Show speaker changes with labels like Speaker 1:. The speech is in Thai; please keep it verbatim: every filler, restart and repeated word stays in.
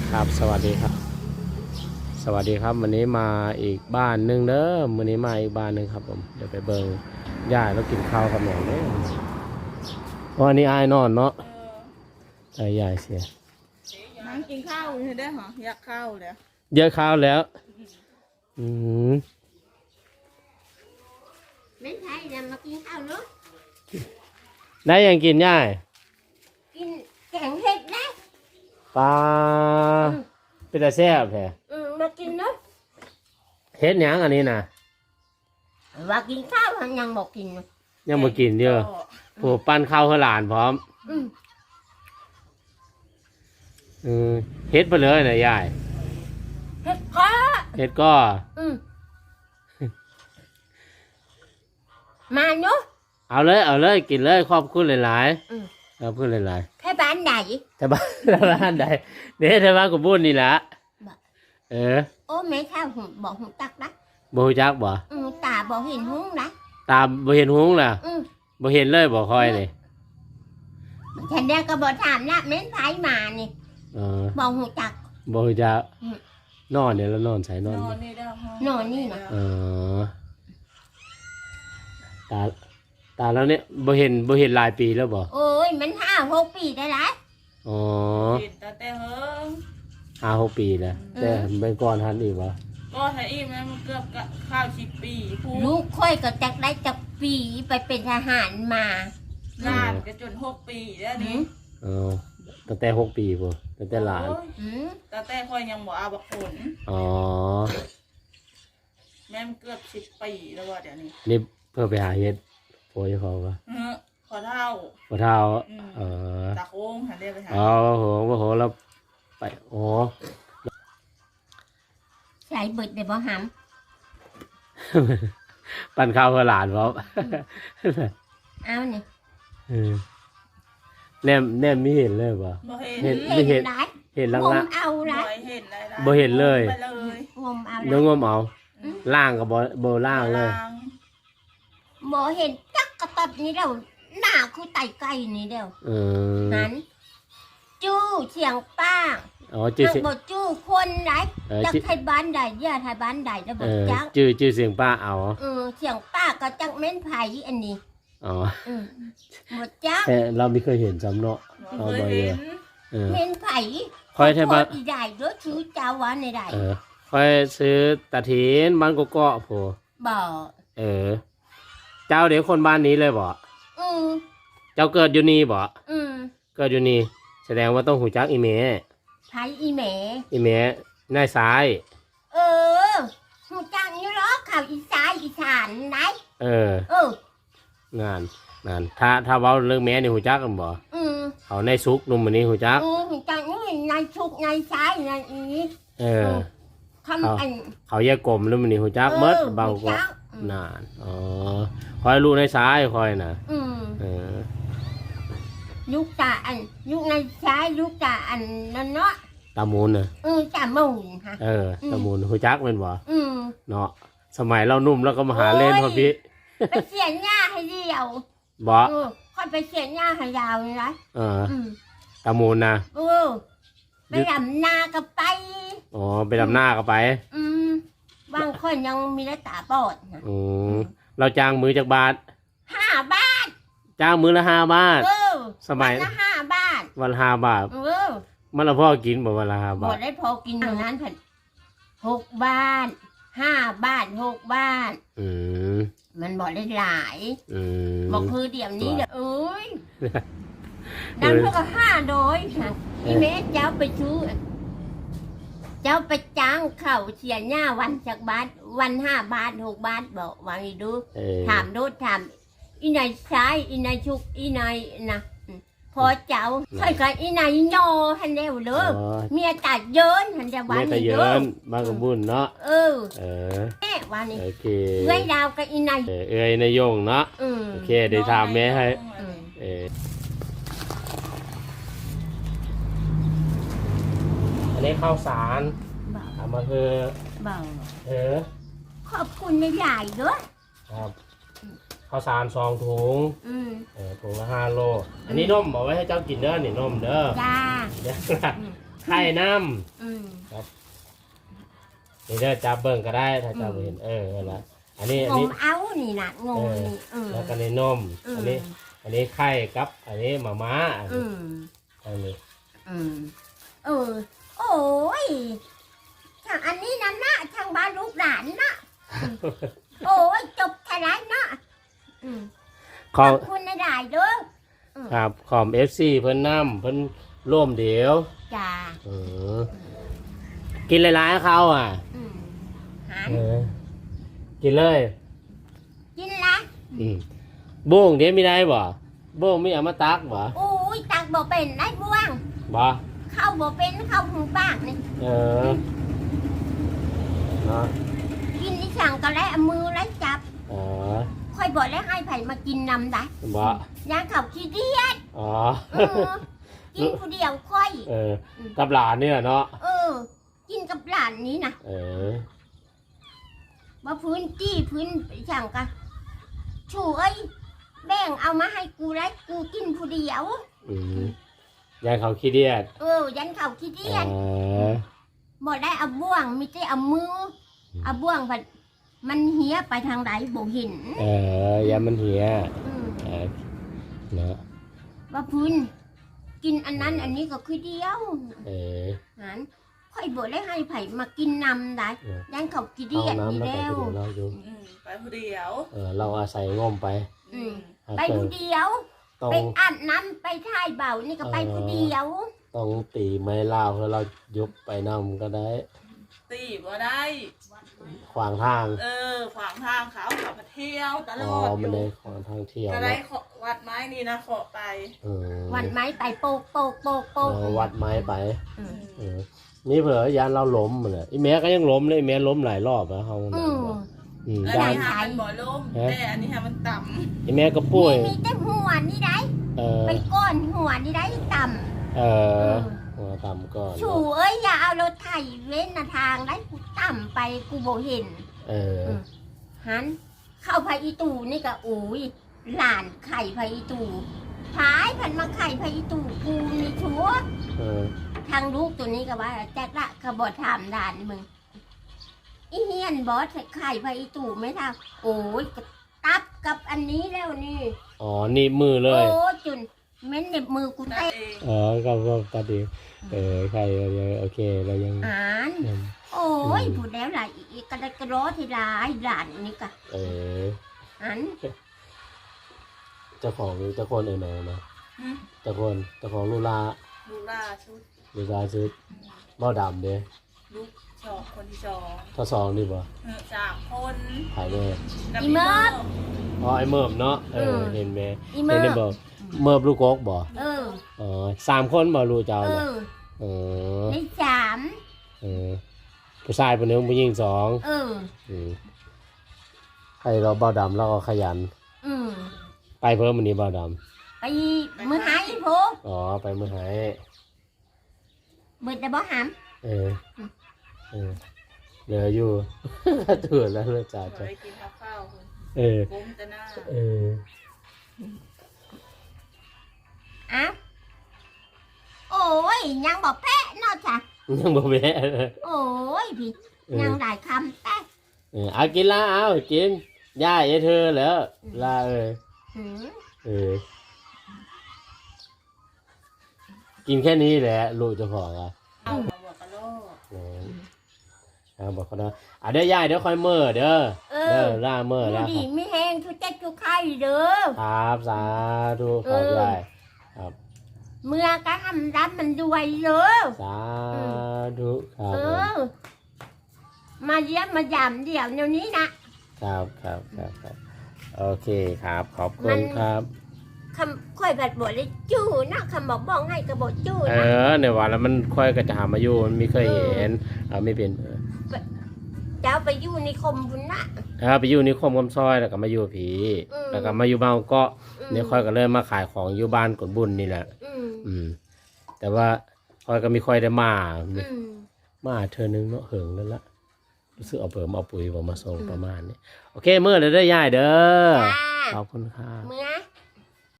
Speaker 1: ครับสวัสดีครับสวัสดีครับวันนี้มาอีกบ้านหนึ่งเด้อวันนี้มาอีกบ้านหนึ่งครับผมเดี๋ยวไปเบิ่งย่าแล้วกินข้าวกับแม่เด้อวันนี้อายนอนเนาะใจใหญ่เสีย
Speaker 2: นั่งกินข้าวอยู่ได้เหรออยากข้าวเลย
Speaker 1: เยอะข้าวแล้วอืม
Speaker 3: ไม่ใช่นะมากินข้าวเนาะ
Speaker 1: ได้ยังกินย่า
Speaker 3: กินแกงเห็ดนะ
Speaker 1: ปลาเป็นตาแซ่บแท้
Speaker 3: อืมมากินเนาะ
Speaker 1: เฮ็ดหยังอันนี้นะ
Speaker 3: ว่ากินข้าวมันยังบอกกินนะ
Speaker 1: ยังบ่กินเด้อโหปั้นข้าวให้หลานพร้อม
Speaker 3: อืม
Speaker 1: เออเฮ็ดไปเลยนะยาย
Speaker 3: เห็ดก็
Speaker 1: เฮ็ดก็
Speaker 3: อืมมาเนาะ
Speaker 1: เอาเลยเอาเลยกินเลยขอบคุณหลาย
Speaker 3: ๆอืม
Speaker 1: ขอบคุณหลาย
Speaker 3: ๆแค่บ้านไหน
Speaker 1: แต่บ้านบ้านใดเนี่ยแต่บ้านกูบุญนี่แหละเออ
Speaker 3: โอ้แม่ข้าวหูบอกหูตักนะ
Speaker 1: บ่ฮู้จักบ่
Speaker 3: อืมตาบอกเห็นหุ้งนะ
Speaker 1: ตาบ่เห็นหุ้งล่ะ
Speaker 3: อืม
Speaker 1: บ่เห็นเลยบ่คอยนี่
Speaker 3: ฉันเนี่ยก็บอกถามละเม้นไผมานี่
Speaker 1: เออ
Speaker 3: บอกหูจัก
Speaker 1: บ่ฮู้จักนอนเนี่ยแล้วนอนใส่นอน
Speaker 2: นอนนี่ได้ห้อง
Speaker 3: นอนนี่นะ
Speaker 1: เออตาตาแล้วเนี่ยบ่เห็นบ่เห็นหลายปีแล้วบ่
Speaker 3: โอ้ยมันห้าหกปีได้ละ
Speaker 1: อ๋อ
Speaker 2: เห็นแต่แต่เฮิง
Speaker 1: ห้าหกปีแล้วแต่เป็นก่อนทันอีกบ่
Speaker 2: ก็ถ้าอีกนะมันเกือบข้าวสิบปี
Speaker 3: ลูกค่อยก็จักได้จักปีไปเป็นทหารมา
Speaker 2: ลาดก็จนหกปีแล้วนี่
Speaker 1: เออตั้งแต่หกปีพุ่นตั้งแต่หลาน
Speaker 2: แต่แต่ค่อยยังบ่เอาบักผล
Speaker 1: อ๋อ
Speaker 2: แม่มันเกือบสิบปีแล้วว่าเดี๋ยวนี้
Speaker 1: นี่เพื่อไปหาเฮ็ดโพยเขาปะ
Speaker 2: พอเท่า
Speaker 1: พอเท่าเออ
Speaker 2: ตาโค้งหันเรียกไปหา
Speaker 1: อ๋อโหโหแล้วไปโอ้
Speaker 3: ใส่เบิดได้บ่ห
Speaker 1: ำปั่นข้าวเพื่อหลานเขา
Speaker 3: เอานี่
Speaker 1: แนมแนมไม่เห็นเลยป่ะ
Speaker 3: เห็นไม่เห็น
Speaker 1: เห็นล่างละ
Speaker 3: เอาละ
Speaker 1: บ่เห็นเลย
Speaker 3: งมเอา
Speaker 1: เนื้องมเอาล่างกับบ่บ่ล่างเลย
Speaker 3: บ่เห็นจักกระตับนี่เดียวหน้าคือไตไก่นี่เดียวหันจู้เสียงป้า
Speaker 1: อ๋อจื้อ
Speaker 3: บ่จู้คนไหนจักไทยบ้านใดย่าไทยบ้านใดแล้วบ่จัก
Speaker 1: จื้อจื้อเสียงป้าเอา
Speaker 3: เออเสียงป้าก็จักเม้นไผอันนี้
Speaker 1: อ๋อ
Speaker 3: บ่จัก
Speaker 1: แต่เราไม่เคยเห็นจำเนาะ
Speaker 2: เอาบ่เห็น
Speaker 3: เม้นไผ
Speaker 1: คอยไทยบ้าน
Speaker 3: ใหญ่เด้อชื่อเจ้าว่าในใด
Speaker 1: เออคอยซื้อตะถินบ้านกกอกโผ
Speaker 3: บ่
Speaker 1: เออเจ้าเดี๋ยวคนบ้านนี้เลยบ่
Speaker 3: อือ
Speaker 1: เจ้าเกิดอยู่นี่บ่
Speaker 3: อือ
Speaker 1: เกิดอยู่นี่แสดงว่าต้องหูจักอีเม
Speaker 3: ไผอีเม
Speaker 1: อีเมนายซ้าย
Speaker 3: เออหูจักอยู่หรอข่าวอีสานอีสานไหน
Speaker 1: เออ
Speaker 3: เอ
Speaker 1: องานงานถ้าถ้าเว้าเรื่องแม่นี่หูจักกันบ่
Speaker 3: อือ
Speaker 1: เขาในซุกนุ่มอันนี้หูจัก
Speaker 3: อือหูจักนี่ในซุกในซ้ายในอี
Speaker 1: เออ
Speaker 3: คำอัน
Speaker 1: เขาแยกกลมแล้วมันนี่หูจักเมิดเบาก็นานอ๋อคอยลูกในซ้ายคอยน่ะ
Speaker 3: อือ
Speaker 1: เออ
Speaker 3: ลูกตาอันลูกในซ้ายลูกตาอันนั่นเนาะ
Speaker 1: ตามูนน่ะ
Speaker 3: เออตามูนค่ะ
Speaker 1: เออตามูนหูจักแม่นบ่
Speaker 3: อือ
Speaker 1: เนาะสมัยเรานุ่มแล้วก็มาหาเล่นพอพี่
Speaker 3: ไปเสียหญ้าให้เดียว
Speaker 1: บ่
Speaker 3: เออค่อยไปเสียหญ้าให้ยาวนี่นะ
Speaker 1: เออตามูนน่ะ
Speaker 3: เออไปดำนาก็ไป
Speaker 1: อ๋อไปดำนาก็ไป
Speaker 3: อืมบางคนยังมีได้ตาบอดนะ
Speaker 1: อืมเราจ้างมือจากบาท
Speaker 3: ห้าบาท
Speaker 1: จ้างมือละห้าบาท
Speaker 3: เออ
Speaker 1: สมัย
Speaker 3: ละห้าบาท
Speaker 1: วันห้าบาท
Speaker 3: เออ
Speaker 1: มันละพ่อกินบ่วันละห้าบาท
Speaker 3: บ่ได้พอกินอย่างนั้นผัดหกบาทห้าบาทหกบาท
Speaker 1: อืม
Speaker 3: มันบ่ได้หลาย
Speaker 1: อืม
Speaker 3: บอกคือเดี๋ยวนี้เด้อเอ้ยดังเท่ากับห้าโดยค่ะพี่แม่เจ้าไปซื้อเจ้าไปจ้างเข่าเสียหน้าวันจากบาทวันห้าบาทหกบาทบอกวางอีดูถามดูถามอีนายซ้ายอีนายชุกอีนายนะพอเจ้าค่อยกันอีนายโยฮันเดียวเลยเมียตัดเยินฮันจะวัน
Speaker 1: นี้เยินบางกบุญเนาะ
Speaker 3: เออ
Speaker 1: เออ
Speaker 3: แม่วันนี้
Speaker 1: โอเค
Speaker 3: เอ้ยดาวกับอีนาย
Speaker 1: เอ้ยนายยงเนาะโอเคเดี๋ยวถามแม่ให้เอออันนี้ข้าวสารทำมาคือเออ
Speaker 3: ขอบคุณในใหญ่ด้วย
Speaker 1: ครับข้าวสารสองถุงเออถุงละห้าโลอันนี้นมบอกไว้ให้เจ้ากินเด้อนี่นมเด้อ
Speaker 3: จ้า
Speaker 1: ไข่น้
Speaker 3: อืม
Speaker 1: ำครับนี่เด้อจับเบิ่งก็ได้ถ้าจับบ่เห็นเออนั่นละอันนี้อัน
Speaker 3: ง
Speaker 1: นี้
Speaker 3: มเอานี่นะงมนี่เออ
Speaker 1: แล้วก็ในนม
Speaker 3: อืม
Speaker 1: อันนี้ อันนี้ไข่กับ อันนี้หมาม้าอัน
Speaker 3: อื
Speaker 1: นี้
Speaker 3: ม
Speaker 1: อันนี้
Speaker 3: อืมเออโอ้ยทางอันนี้นะนะทางบ้านลูกหลานนะโอ้ยจบทลายนะอืม
Speaker 1: ข
Speaker 3: ข
Speaker 1: อ
Speaker 3: อง บคุณนะได้เด้อ
Speaker 1: ครับขอม เอฟ ซี เพิ่นน้ำเพิ่นร่วมเดี๋ยว
Speaker 3: จ้า
Speaker 1: เออกินหลายๆเขาอ่ะ
Speaker 3: อืมหัน
Speaker 1: เออกินเลย
Speaker 3: กินละ
Speaker 1: อืมบุ้งเดี๋ยวมีได้บ่บุ้งมีเอามาตักบ่
Speaker 3: โอ้ยตักบ่เป็นได้บ้วง
Speaker 1: บ่
Speaker 3: เข้าบ่เป็นเข้าหูบ้างนี่
Speaker 1: เออเนาะ
Speaker 3: กินนี่สั่งก็แล้วเอามือแล้วจับ
Speaker 1: เออ
Speaker 3: ค่อยบอกแล้วให้ไผ่มากินนำได้
Speaker 1: บ่
Speaker 3: ย่างเขาขี้เดียด
Speaker 1: อ๋อ
Speaker 3: เออกินผู้เดียวค่อย
Speaker 1: เออกับหลานเนี่ยเนาะ
Speaker 3: เออ กินกับหลานนี้นะ
Speaker 1: เออ
Speaker 3: ว่าพื้นจี้พื้นไปสั่งกันชูเอ้ยแบ่งเอามาให้กูแล้วกูกินผู้เดียว
Speaker 1: อืมยายเขาขี้เดียด
Speaker 3: เออ ยันเขาขี้เดียด
Speaker 1: เออ
Speaker 3: บ่ได้เอาบ่วงไม่ใช่เอามือเอาบ่วงผัดมันเหียไปทางใดบ่เห็น
Speaker 1: เออยามันเหีย
Speaker 3: อืม
Speaker 1: เออเนาะ
Speaker 3: ว่าพื้นกินอันนั้นอันนี้ก็คือเดียว
Speaker 1: เออ
Speaker 3: หันค่อยบ่ได้ให้ไผ่มากินนำได้
Speaker 1: เออ
Speaker 3: ยันเขาขี้เดี
Speaker 1: เอา
Speaker 3: ยด
Speaker 1: น้ำ
Speaker 3: นี่
Speaker 1: แล้วไป
Speaker 3: แล้ว
Speaker 1: เดี๋ยวเราอยู่
Speaker 2: อืมไปผู้เดียว
Speaker 1: เออเราอาศัยงมไป
Speaker 3: อืม
Speaker 1: หา
Speaker 3: ไป
Speaker 1: เจอ
Speaker 3: ผู้เดียว
Speaker 1: ต้อง
Speaker 3: ไปอาบน้ำไปท่ายเบานี่ก็ไปผู้เดียว
Speaker 1: ต้องตีไม้ลาวเพื่อเรายกไปนำก็ได้
Speaker 2: ตีบ่ได้
Speaker 1: ขวางทาง
Speaker 2: เออขวางทางเขาขับมาเที่ยวตล
Speaker 1: อ๋อ
Speaker 2: อดอ
Speaker 1: มัน
Speaker 2: ยู่
Speaker 1: เลยขวางทางเที่ยว
Speaker 2: ก็ได้
Speaker 1: เนาะ
Speaker 2: ขอวัดไม้นี่นะขอไป
Speaker 1: เออ
Speaker 3: วันไม้ไปโปกโปกโปกโป
Speaker 1: เอก อวัดไม้ไป
Speaker 3: อืม
Speaker 1: เออนี่เผื่อยานเราล้มเลยไอ้แม่ก็ยังล้มเลยไอ้แม่ล้มหลายรอบแล้วเขา
Speaker 3: อืม
Speaker 1: อืม
Speaker 2: อัน
Speaker 1: ยาน
Speaker 2: นี้ฮะมันบ่ล่มแต่อันนี้ฮะมันต่
Speaker 1: ไอ้แม่ก็ป่วย
Speaker 3: มีแต่หัวนี่ได้
Speaker 1: เออ
Speaker 3: ไปก้อนหัวนี่ได้ต่
Speaker 1: เอ
Speaker 3: ำ
Speaker 1: อหัวต่ำก่อน
Speaker 3: ชูเอ้ยอย่าเอารถไถเว้นทางได้กูต่ำไปกูบ่เห็น
Speaker 1: เออ
Speaker 3: หันเข้าพาอีตูนี่ก็โอ้ยหลานไข่พาอีตูพายพันมาไข่พาอีตูกูมีชัว
Speaker 1: เออ
Speaker 3: ทางลูกตัวนี้ก็ว่าแจ็คละขบอถามด่านมึงอีเฮียนบอสไข่พาอีตูไม่ทำโอ้ยก็ตับกับอันนี้แล้วนี่
Speaker 1: อ๋อนี่มือเล
Speaker 3: โอ้
Speaker 1: ย
Speaker 3: จุนเม้นเน็บมือกู
Speaker 2: ำนั่น
Speaker 3: เตะ
Speaker 2: เอง
Speaker 1: อ๋อก็ก็ตัดดีเออใครยังโอเคเรายัง
Speaker 3: อ่าน
Speaker 1: ยัง
Speaker 3: โอ้ยพูดแล้วหลายอีกกระดกกระโดดที่ร้ายหลานนี่ก็
Speaker 1: เออ
Speaker 3: อัน
Speaker 1: เจ้าของเจ้าคนเออเนอะนะ
Speaker 2: หึ
Speaker 1: เจ้าคนเจ้าของลูลา
Speaker 2: ลูกล่าชุด
Speaker 1: ลูลาซื้อเบ้าดำเด้
Speaker 2: ลูกสองคนที่สอง
Speaker 1: ถ้าสองดีป่ะ
Speaker 2: เออสามคน
Speaker 1: ขายแม่
Speaker 2: กับพี่เมิร์ฟ
Speaker 1: อ๋อไอ้เมิบเนาะเออเห็นไหม
Speaker 3: อีเม
Speaker 1: เห็น
Speaker 3: อ
Speaker 1: ได้
Speaker 3: ร์
Speaker 1: บอกเมิบลูกกอกบ่
Speaker 3: เออ
Speaker 1: อ๋อสามคนบ่ลูกเจ้า
Speaker 3: เอ
Speaker 1: น่ะ
Speaker 3: อ
Speaker 1: เออ
Speaker 3: ในสาม
Speaker 1: เออผู้ชายคนหนึงผู้หญิงสอง
Speaker 3: เออ
Speaker 1: อืมใครเราเบ้าดำเราก็ขยัน
Speaker 3: อืม
Speaker 1: ไปเพิ่มวันนี้เบ้าด
Speaker 3: ไปมือหายโพ
Speaker 1: ำอ๋อไปเมื่อไหร่
Speaker 3: เบิดแต่บ่หาม
Speaker 1: เออเออเหลืออยู่ ถือแล้วเลยจ่า
Speaker 2: ขอ
Speaker 1: จ้ะ
Speaker 2: ไปกินข้าวข้าวคน
Speaker 1: เออ
Speaker 2: ก้มจะหน้า
Speaker 1: เออ
Speaker 3: อ้าวโอ้ยยังบอกแพะเนอกจาก
Speaker 1: ยังบ่แม่เลย
Speaker 3: โอ้ยพี่
Speaker 1: เออ
Speaker 3: ยังหลายคำแต่
Speaker 1: เออเอากินละเอากินย่าเอเธอแล้วลาเออ
Speaker 3: หืม
Speaker 1: เออ กินแค่นี้แหละลูกเจ้าของอ่ะ
Speaker 2: เอามาบอกกระโลก
Speaker 1: เออเอาบอกเขาเนาะอ่ะเดี๋ยวย่าเดี๋ยวค่อยเมื่อเด้อ
Speaker 3: เอ
Speaker 1: เด้
Speaker 3: อ
Speaker 1: อล่าเมื่อ
Speaker 3: ดู
Speaker 1: แล้ว
Speaker 3: ดีไม่แห้งทุเจ็ดทุกไข่เด้อ
Speaker 1: ครับสาธุครับ
Speaker 3: เออ
Speaker 1: ยายครับ
Speaker 3: เมื่อก็ทำรับมันด้วยเด้อ
Speaker 1: สาธุครับ
Speaker 3: เอ
Speaker 1: ผม
Speaker 3: อ มาเยี่ยมมายามเดี๋ยวเดี๋ยวนี้นะครับ
Speaker 1: ครับครับครับโอเคครับ ขอบคุ
Speaker 3: มั
Speaker 1: ณ
Speaker 3: น
Speaker 1: ครับ
Speaker 3: คำค่อยแบบบทเลยจู้นะคำบอกบอกให้กระบอกจู้
Speaker 1: เอ
Speaker 3: นะ
Speaker 1: อเนี่ยว่าแล้วมันค่อยกระจายมาอยู่มันไม่เคยเห็นเอาไม่เป็นเออ
Speaker 3: เจ้าไปอยู่ในคมบุญนะ
Speaker 1: เออไปอยู่นิคมคำซอยแล้วก็มาอยู่ผี
Speaker 3: อืม
Speaker 1: แล้วก็มาอยู่บ้านเก็
Speaker 3: อืม
Speaker 1: เนี่ยค่อยก็เริ่มมาขายของอยู่บ้านกดบุญนี่แหละ
Speaker 3: อืม
Speaker 1: อืม แต่ว่าค่อยก็ไม่ค่อยได้มา
Speaker 3: อืม
Speaker 1: มาเธอนึงเนาะเหิงแล้วละรู้สึกเอาเปิมเอาปุ๋ยผมมาส่งประมาณนี้โอเคเมื่อเด้อย่ายเด้อ
Speaker 3: จ้า
Speaker 1: ขอบคุณครับ
Speaker 3: เมื่อ